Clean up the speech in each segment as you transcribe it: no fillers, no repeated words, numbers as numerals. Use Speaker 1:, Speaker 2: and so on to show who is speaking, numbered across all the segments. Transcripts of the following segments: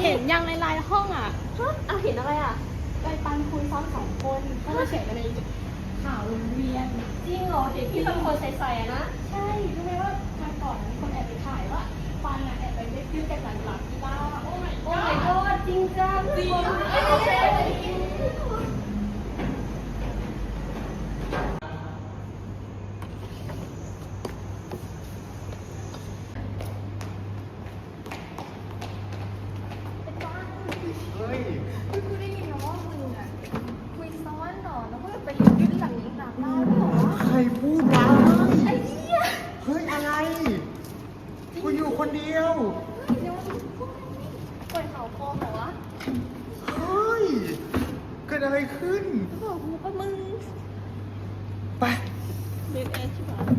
Speaker 1: เห็นยังในไลน์ห้องอ่ะ
Speaker 2: เอาเห็นอะไรอ่ะ
Speaker 1: ไปปันคุยซ้อน2 คนก็มาเขียนกันในข่าวโรงเรียน
Speaker 2: จริงเหรอเห็นที่เป็นคนใส่ๆอะนะ
Speaker 1: ใช่รู้ไหมว่าวันก่อนมีคนแอบไปถ่ายว่าปันอ่ะแอบไปเล่นยื่นกันหลังกีฬาโอ้ my
Speaker 2: โอ้ my god จริงจังจริง
Speaker 3: เฮ้ย
Speaker 1: กูได้ยินนะว่ามึงอ่ะคุยซ้อนหรอแล้วก็ไปยื่นหลังได้หรอ
Speaker 3: ใครพูดวะ
Speaker 1: ไอ้เหี้ย
Speaker 3: เฮ้ย อะไร กูอยู่คนเดียว
Speaker 1: เดี๋ยวปล่อยข่าวปลอมเหรอวะ
Speaker 3: เฮ้ย เกิดอะไรขึ้น
Speaker 1: บอกกูก็มึง
Speaker 3: ไป
Speaker 1: เด็กเอชใช่ปะ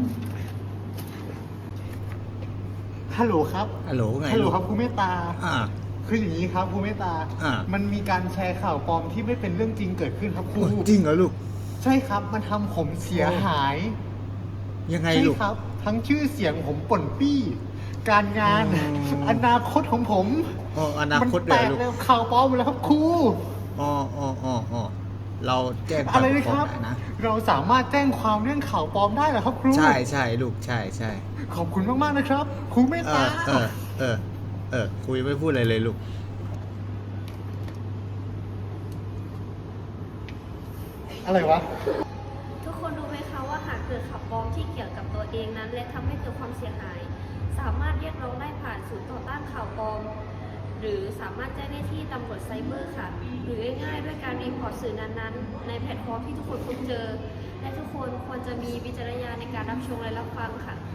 Speaker 3: ฮัลโหลครับ
Speaker 4: ฮัลโหลไง
Speaker 3: ฮัลโหล
Speaker 4: ลูก
Speaker 3: ครับครูเมตตา
Speaker 4: อ่า
Speaker 3: คืออย่างนี้ครับครูเมตตา
Speaker 4: อ่า
Speaker 3: มันมีการแชร์ข่าวปลอมที่ไม่เป็นเรื่องจริงเกิดขึ้นครับครู
Speaker 4: จริงเหรอลูก
Speaker 3: ใช่ครับ มันทำผมเสียหาย
Speaker 4: ยังไง
Speaker 3: ใช่
Speaker 4: ลูก
Speaker 3: ครับ ทั้งชื่อเสียงผมป่นปี้ การงาน
Speaker 4: อ๋อ
Speaker 3: อนาคตของผม
Speaker 4: อ๋ออนาคต
Speaker 3: มัน
Speaker 4: เล
Speaker 3: แต
Speaker 4: ย
Speaker 3: ก
Speaker 4: ลูก
Speaker 3: แล้วข่าวปลอมหมดแล้วครับครู
Speaker 4: อ๋ออ๋ออ๋ออ๋อเราแจ้ง
Speaker 3: อะไรนะ
Speaker 4: ควา
Speaker 3: ค
Speaker 4: ม
Speaker 3: รับ
Speaker 4: ได้นะ
Speaker 3: เราสามารถแจ้งความเรื่องข่าวปลอมได้เหรอครับครู
Speaker 4: ใช่ใช่ลูกใช่ใช่
Speaker 3: ขอบคุณมากๆนะครับ ครูเมต
Speaker 4: เอ
Speaker 3: ตา
Speaker 4: อเออเออเออคุยไม่พูดอะไรเลยลูก
Speaker 3: อะไรวะ
Speaker 2: ทุกคนรู้ไหมคะว่าหากเกิดข่าวปลอมที่เกี่ยวกับตัวเองนั้นและทำให้เกิดความเสียหาย สามารถเรียกร้องได้ผ่านศูนย์ต่อต้านข่าวปลอม หรือสามารถแจ้งได้ที่ตำรวจไซเบอร์ค่ะ หรือง่ายๆด้วยการรีพอร์ตสื่อนั้นๆ ในแพลตฟอร์มที่ทุกคนพบเจอ และทุกคนควรจะมีวิจารณญาณในการรับชมและรับฟังค่ะ